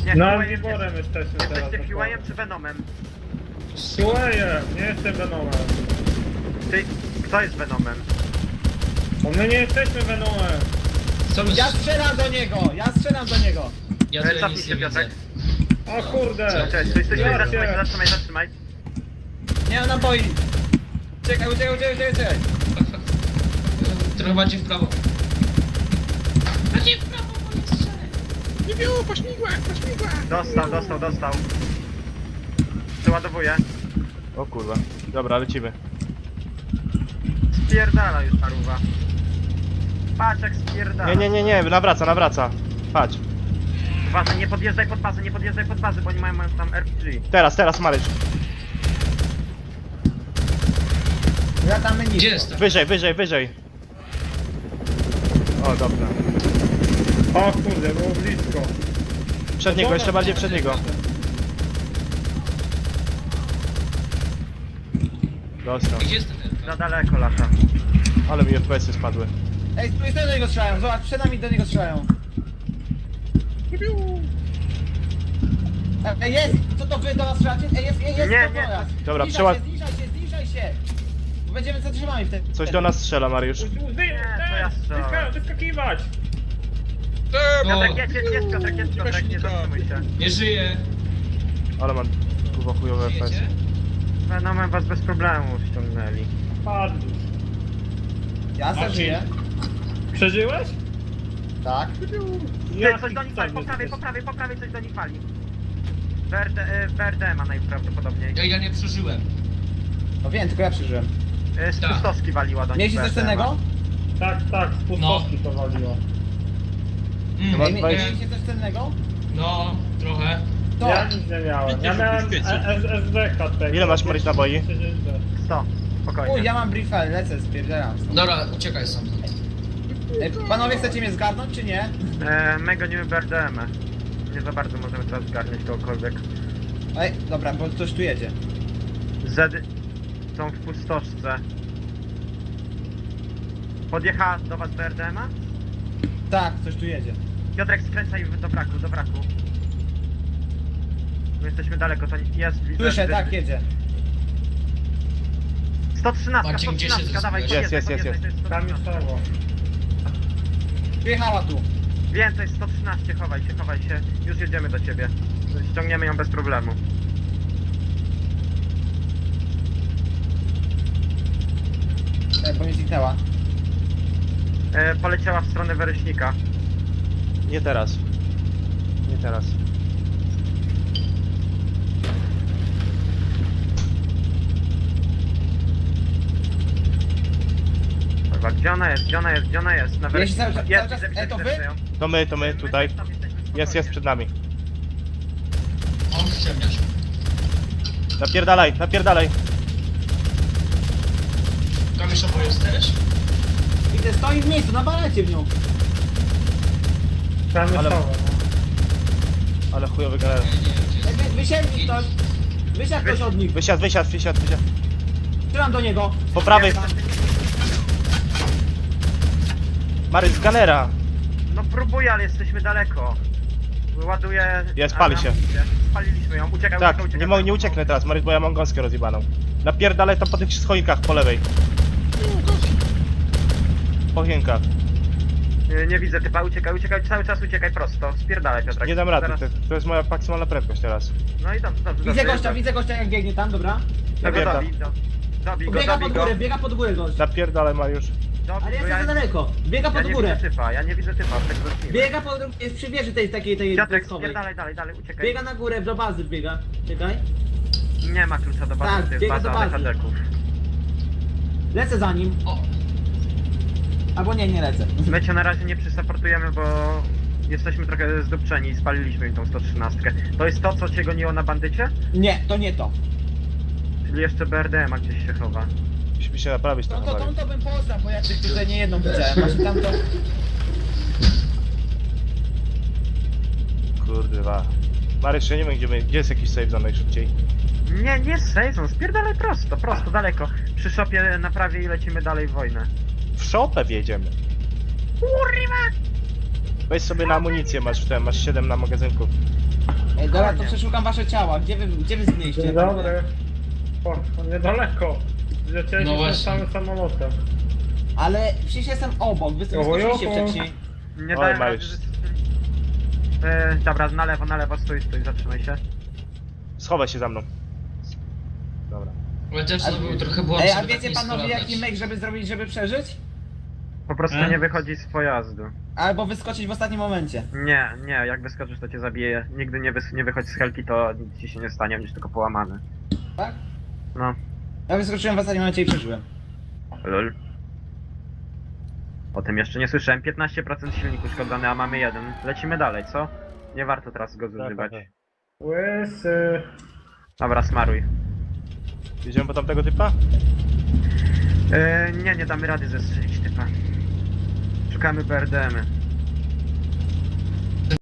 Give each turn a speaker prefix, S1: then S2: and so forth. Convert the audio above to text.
S1: Nie,
S2: No,
S1: Huey'em
S2: Wiborem jesteśmy teraz.
S1: jesteście Huey'em czy Venomem?
S2: Słuchaj, nie jestem Venomem.
S1: Ty, kto jest Venomem?
S2: Bo my nie jesteśmy Venomem.
S3: Co my...
S4: Ja strzelam do niego! Ja strzelam do niego!
S3: Ja tutaj
S1: Cofnij
S3: nic
S1: się,
S3: nie widzę.
S1: Piotrek.
S2: O kurde.
S1: Cześć, stój,
S2: Ja cię.
S1: zatrzymaj.
S4: Nie mam naboi! Czekaj.
S3: Trochę bardziej w prawo. Bardziej w prawo, bo nie strzelę.
S1: Dostał. Przeładowuję.
S5: O kurwa. Dobra, lecimy.
S1: Spierdala już paruwa. Patrz jak spierdala.
S5: Nie, nawraca. Patrz.
S1: Uważaj, nie podjeżdżaj pod bazę, bo oni mają tam RPG.
S5: Teraz, Maryś.
S4: Latamy
S3: Gdzie
S4: nisko.
S3: jest to?
S5: Wyżej. O, dobra.
S2: O kurde, było blisko.
S5: Przed niego, jeszcze bardziej przed niego. Dostał.
S3: Gdzie jest ten
S1: Za
S3: Elka?
S1: daleko lata.
S5: Ale mi FPS-y spadły.
S4: Ej, z do niego strzelają, zobacz, przed nami do niego strzelają. Ej, jest! Co to wy do nas strzelacie? Ej, jest,
S1: Nie,
S4: to
S1: nie.
S4: do nas.
S5: Dobra,
S4: Zniżaj się! Bo będziemy zatrzymani wtedy.
S5: Coś do nas strzela, Mariusz.
S1: to ja strzelałem.
S2: Wyskakiwać.
S1: Piotrek, jest Piotrek, nie zatrzymuj się.
S3: Nie żyje.
S5: Ale mam kurwa chujowe FPS.
S3: Żyjecie?
S1: Venomem was bez problemu ściągnęli.
S2: Padł.
S4: Ja se żyję.
S2: Przeżyłeś?
S4: Tak.
S1: Ty, coś do nich wali, po prawej coś do nich wali. BRD ma najprawdopodobniej.
S3: Ja nie przeżyłem.
S4: No wiem, tylko ja przeżyłem.
S1: Z
S3: Tak.
S1: pustowski waliła do nich.
S4: Mieliście coś
S1: BRD ma.
S4: cennego?
S2: Tak, z pustowki to waliło.
S5: Chyba
S4: Ej,
S5: dwa-
S4: mieliście coś cennego?
S3: No, trochę.
S4: To!
S2: Ja nic nie miałem. Ja miałem SDK tego.
S5: Ile masz, Maryś, naboi?
S1: 100, spokojnie.
S4: Uj, ja mam briefel, lecę, spierdzielam.
S3: Dobra, uciekaj sam.
S4: Ej, panowie, chcecie mnie zgarnąć, czy nie?
S1: My gonimy BRDM. Nie za bardzo możemy teraz zgarniać kogokolwiek.
S4: Ej, dobra, bo ktoś tu jedzie.
S1: Zedy są w pustoszce. Podjechała do was BRDM-a?
S4: Tak, ktoś tu jedzie.
S1: Piotrek, skręcaj do braku. My jesteśmy daleko, to nie jest... widzę,
S4: Słyszę,
S1: że-
S4: tak, jedzie.
S1: 113,
S3: Marcin, gdzie się
S1: 113, dawaj,
S3: zrespiłeś?
S5: Jest.
S1: podjeżdżaj, to jest
S2: Tam
S1: 113.
S2: jest słowo.
S4: Przyjechała tu.
S1: Wiem, to jest 113, chowaj się. Już jedziemy do ciebie. Ściągniemy ją bez problemu.
S4: Bo mnie zniknęła.
S1: Poleciała w stronę Wereśnika.
S5: Nie teraz.
S1: Kurwa, gdzie ona jest? Na
S4: Jeśli cały czas-
S1: Jest,
S4: cały czas-
S1: widzę,
S4: to wy?
S1: widzę ją.
S5: To my tutaj.
S1: Tam jesteśmy,
S5: Jest
S1: spokojnie.
S5: przed nami.
S3: On ściemniasz.
S5: Napierdalaj.
S3: Kamiszowo jesteś?
S4: Widzę, stoi w miejscu, nawalajcie w nią.
S2: Tam jest
S5: Ale-
S2: słowo.
S5: Ale chujowy generał.
S3: Nie,
S4: Wysiedli ktoś. Wysiadł ktoś od nich.
S5: Wysiadł.
S4: Strzelam do niego.
S5: Po prawej. Maryś, z ganera.
S1: No próbuję, ale jesteśmy daleko. Ładuję...
S5: Jest, pali się.
S1: Spaliliśmy ją, uciekaj.
S5: Tak, nie ucieknę teraz, Maryś, bo ja mam gąskę rozjebaną. Napierdalaj tam po tych schoinkach po lewej. Po chienkach.
S1: Nie widzę typa, uciekaj, cały czas uciekaj prosto. Spierdalaj, Piotrek.
S5: Nie dam rady,
S1: Zaraz-
S5: to jest moja maksymalna prędkość teraz.
S1: No i dobrze.
S4: Widzę gościa jak biegnie tam, dobra.
S1: Tego
S5: Napierdal.
S1: dobij go,
S4: Biega pod górę gość.
S5: Napierdalaj, Mariusz.
S1: dobij
S4: Ale
S1: go,
S4: jestem za daleko. Biega
S1: ja
S4: pod
S1: nie
S4: górę.
S1: widzę typa, tak zacznijmy.
S4: Biega pod... jest przy wieży tej
S1: Piotrek,
S4: schowej.
S1: spierdalaj, uciekaj.
S4: Biega na górę, do bazy biega. Czekaj.
S1: Nie ma klucza do bazy,
S4: Tak,
S1: to jest
S4: biega
S1: baza
S4: do bazy.
S1: ADHD-ków.
S4: Lecę za nim.
S3: O,
S4: Albo nie lecę.
S1: My cię na razie nie przysupportujemy, bo jesteśmy trochę zdupczeni i spaliliśmy im tą 113. To jest to, co cię goniło na bandycie?
S4: Nie, to nie to.
S1: Czyli jeszcze BRDM-a gdzieś się chowa.
S5: Musimy się naprawić
S4: No
S5: trochę,
S4: to
S5: Mariusz.
S4: tą to bym poznał, bo ja tych tutaj nie jedną widziałem. Masz tam to...
S5: Kurwa. Maryś, ja nie wiem gdzie jest jakiś save za najszybciej.
S1: Nie sejzon, spierdalaj prosto, daleko. Przy szopie na prawie i lecimy dalej w wojnę.
S5: W szopę wjedziemy.
S1: Kurwa!
S5: Weź sobie na amunicję, masz 7 na magazynku.
S4: Ej, dobra, to
S1: Fajnie.
S4: przeszukam wasze ciała. Gdzie wy zgniliście?
S2: Dzień dobry. O, niedaleko. Zlecieliśmy
S3: No właśnie.
S2: samym samolotem.
S4: Ale przecież jestem obok, wy wyskoczyliście
S2: Oho.
S4: wcześniej.
S1: Nie
S5: Oj,
S1: dałem
S5: Mariusz.
S1: rady dobra, na lewo, stój, zatrzymaj się.
S5: Schowaj się za mną. Dobra.
S3: Chociaż to był trochę błąd,
S4: Ej, a
S3: żeby tak
S4: wiecie
S3: nisko
S4: panowie
S3: latać.
S4: jaki myk, żeby zrobić, żeby przeżyć?
S1: Po prostu nie wychodzi z pojazdu.
S4: Albo wyskoczyć w ostatnim momencie.
S1: Nie, jak wyskoczysz to cię zabije. Nigdy nie wychodź z helki, to nic ci się nie stanie, będziesz tylko połamany.
S4: Tak?
S1: No,
S4: Ja wyskoczyłem w ostatnim momencie i przeżyłem.
S1: lol. O tym jeszcze nie słyszałem. 15% silniku uszkodzony, a mamy 1. Lecimy dalej, co? Nie warto teraz go zużywać.
S5: tak.
S2: Łysy.
S1: Dobra, smaruj.
S5: Jedziemy po tamtego typa?
S1: Nie damy rady zestrzelić typa. Szukamy BRDM-y.